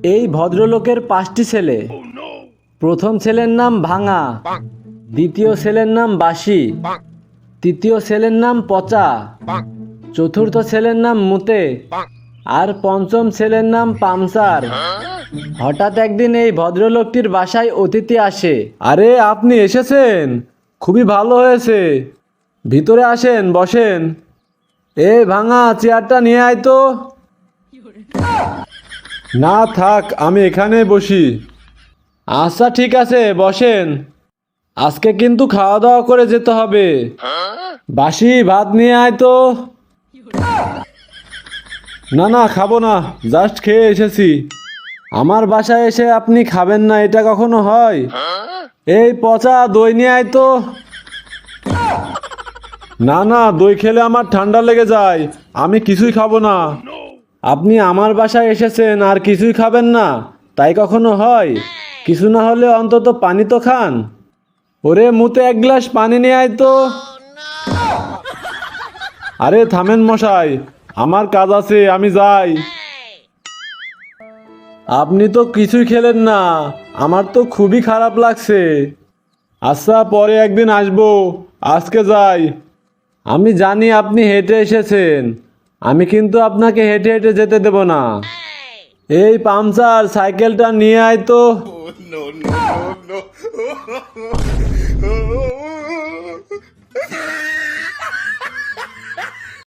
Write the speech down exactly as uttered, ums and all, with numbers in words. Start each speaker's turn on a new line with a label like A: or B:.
A: এই ভদ্রলোকের পাঁচটি ছেলে। প্রথম ছেলের নাম ভাঙা, দ্বিতীয় ছেলের নাম বাসি, তৃতীয় ছেলের নাম পচা, চতুর্থ ছেলের নাম মুতে, আর পঞ্চম ছেলের নাম পামচার। হঠাৎ একদিন এই ভদ্রলোকটির বাসায় অতিথি আসে। আরে আপনি এসেছেন, খুবই ভালো হয়েছে, ভিতরে আসেন, বসেন। এ ভাঙা, চেয়ারটা নিয়ে আয় তো। না থাক, আমি এখানে বসি। আচ্ছা ঠিক আছে, বসেন। আজকে কিন্তু খাওয়া দাওয়া করে যেতে হবে। বাসি ভাত নিয়ে আয় তো। না না, খাবো না, জাস্ট খেয়ে এসেছি। আমার বাসায় এসে আপনি খাবেন না, এটা কখনো হয়? এই পচা, দই নিয়ে আয় তো। না না, দই খেলে আমার ঠান্ডা লেগে যায়, আমি কিছুই খাবো না। আপনি আমার বাসায় এসেছেন আর কিছুই খাবেন না, তাই কখনো হয়? কিছু না হলে অন্তত পানি তো খান। ওরে মুতে, এক গ্লাস পানি নিয়ে আয় তো। আরে থামেন মশাই, আমার কাজ আছে, আমি যাই। আপনি তো কিছুই খেলেন না, আমার তো খুবই খারাপ লাগছে। আচ্ছা, পরে একদিন আসবো, আজকে যাই। আমি জানি আপনি হেঁটে এসেছেন, আমি কিন্তু আপনাকে হেঁটে হেঁটে যেতে দেব না। এই পামচার, সাইকেলটা নিয়ে আয় তো।
B: no, no, no, no.